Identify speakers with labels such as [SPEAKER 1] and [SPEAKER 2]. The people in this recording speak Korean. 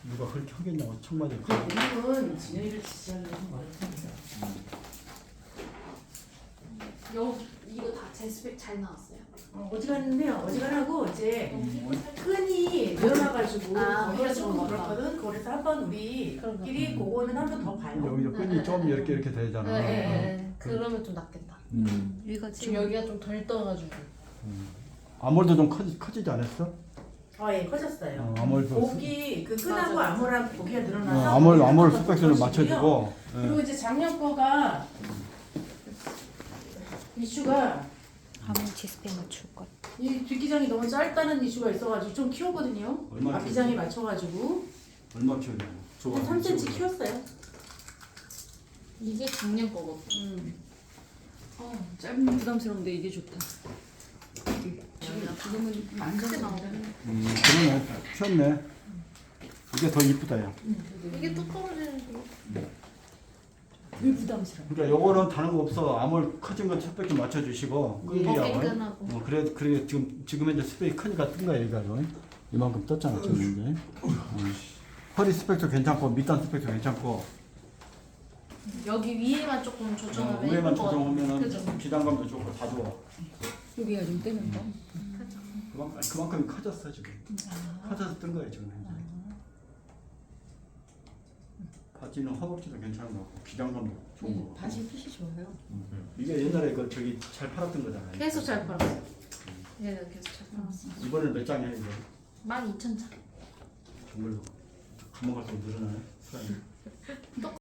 [SPEAKER 1] 누가 그렇게 하겠냐고 청마디.
[SPEAKER 2] 이건 진영이를 지지하려면 어렵습니다.
[SPEAKER 3] 이거 다 제 스펙 잘 나왔어요.
[SPEAKER 2] 어지간해요. 어지간하고 이제 끈이 늘어나가지고
[SPEAKER 3] 아,
[SPEAKER 2] 거기가 조금
[SPEAKER 3] 그래서
[SPEAKER 2] 그렇거든. 그래서 한번 우리끼리 그거는 한번 더 봐요.
[SPEAKER 1] 여기서 끈이 좀 이렇게 되잖아.
[SPEAKER 3] 네. 그러면 좀 낫겠다.
[SPEAKER 4] 이거
[SPEAKER 3] 지금
[SPEAKER 4] 지금
[SPEAKER 3] 여기가 좀 덜 떠가지고.
[SPEAKER 1] 암홀도 좀 커지지 않았어?
[SPEAKER 2] 예, 커졌어요.
[SPEAKER 1] 암홀도.
[SPEAKER 2] 목이 그 끈하고
[SPEAKER 3] 맞아.
[SPEAKER 2] 암호랑 고기가 늘어나서
[SPEAKER 1] 암홀
[SPEAKER 2] 더
[SPEAKER 1] 스펙션을
[SPEAKER 2] 커지고요.
[SPEAKER 1] 맞춰주고.
[SPEAKER 2] 그리고 이제 작년 거가 이슈가
[SPEAKER 4] 아무지 스펙 맞출 것.
[SPEAKER 2] 이 뒷기장이 너무 짧다는 이슈가 있어가지고 좀 키웠거든요.
[SPEAKER 1] 얼마
[SPEAKER 2] 앞기장에 맞춰가지고
[SPEAKER 1] 얼마 키우냐?
[SPEAKER 2] 한 3cm 키웠어요.
[SPEAKER 3] 이게 작년 거거든.
[SPEAKER 4] 짧은 부담스러운데 이게 좋다. 지금은
[SPEAKER 3] 크게 나오네.
[SPEAKER 1] 그러네. 폈네. 이게 더 이쁘다 야.
[SPEAKER 3] 이게 또 떨어지는 거.
[SPEAKER 4] 왜 부담스러워?
[SPEAKER 1] 그러니까 요거는 다른 거 없어. 암홀 커진 건 스펙 좀 맞춰주시고 끈기하고.
[SPEAKER 3] 끈끈하고.
[SPEAKER 1] 그래 지금 현재 스펙이 크니까 뜬 거야 얘가 이만큼 떴잖아 지금 이제. 허리 스펙도 괜찮고 밑단 스펙도 괜찮고.
[SPEAKER 3] 여기 위에만 조금 조정하면
[SPEAKER 1] 위에만
[SPEAKER 3] 예쁠 것 같아.
[SPEAKER 1] 조정하면은
[SPEAKER 3] 그죠?
[SPEAKER 1] 기장감도 좋고 다 좋아.
[SPEAKER 4] 여기가 좀 뜨는 거.
[SPEAKER 1] 그만큼 커졌어 지금. 커져서 뜬 거야 지금 현재. 바지는 허벅지도 괜찮은 거 같고 기장감도 좋은 거.
[SPEAKER 4] 바지 핏이 좋아요.
[SPEAKER 1] 이게 옛날에 그 저기 잘 팔았던 거잖아.
[SPEAKER 3] 계속 잘 팔았어. 얘는 계속 잘 팔았어.
[SPEAKER 1] 이번엔 몇 장이야 이거?
[SPEAKER 3] 12,000장.
[SPEAKER 1] 정말로 금방 갈수록 늘어나네.